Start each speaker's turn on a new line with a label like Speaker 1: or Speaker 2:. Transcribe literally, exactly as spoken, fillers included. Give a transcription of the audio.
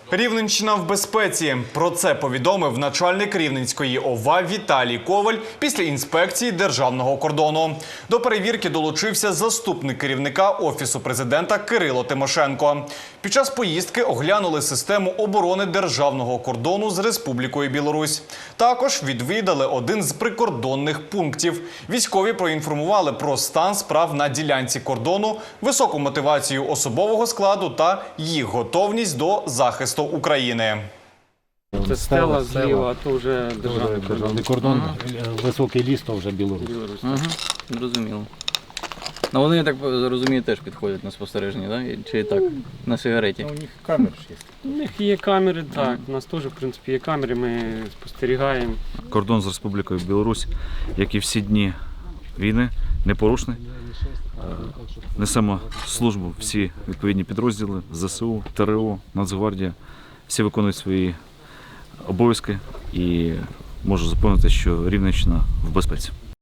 Speaker 1: Рівненщина в безпеці. Про це повідомив начальник Рівненської ОВА Віталій Коваль після інспекції державного кордону. До перевірки долучився заступник керівника Офісу президента Кирило Тимошенко. Під час поїздки оглянули систему оборони державного кордону з Республікою Білорусь. Також відвідали один з прикордонних пунктів. Військові проінформували про стан справ на ділянці кордону, високу мотивацію особового складу та їх готовність до захисту України.
Speaker 2: Це стела зліва, а то вже державний кордон.
Speaker 3: Державний кордон, високий ліс, то вже Білорусь.
Speaker 2: Білорусь.
Speaker 4: Угу, зрозуміло. Ну вони, я так розумію, теж підходять на спостереження, да? Чи так, на сигареті?
Speaker 3: У них камери ж є.
Speaker 2: У них є камери, так. У нас теж, в принципі, є камери, ми спостерігаємо.
Speaker 5: Кордон з Республікою Білорусь, як і всі дні війни, непорушний. Несемо службу всі відповідні підрозділи, ЗСУ, ТРО, Нацгвардія. Всі виконують свої обов'язки і можу запевнити, що Рівненщина в безпеці.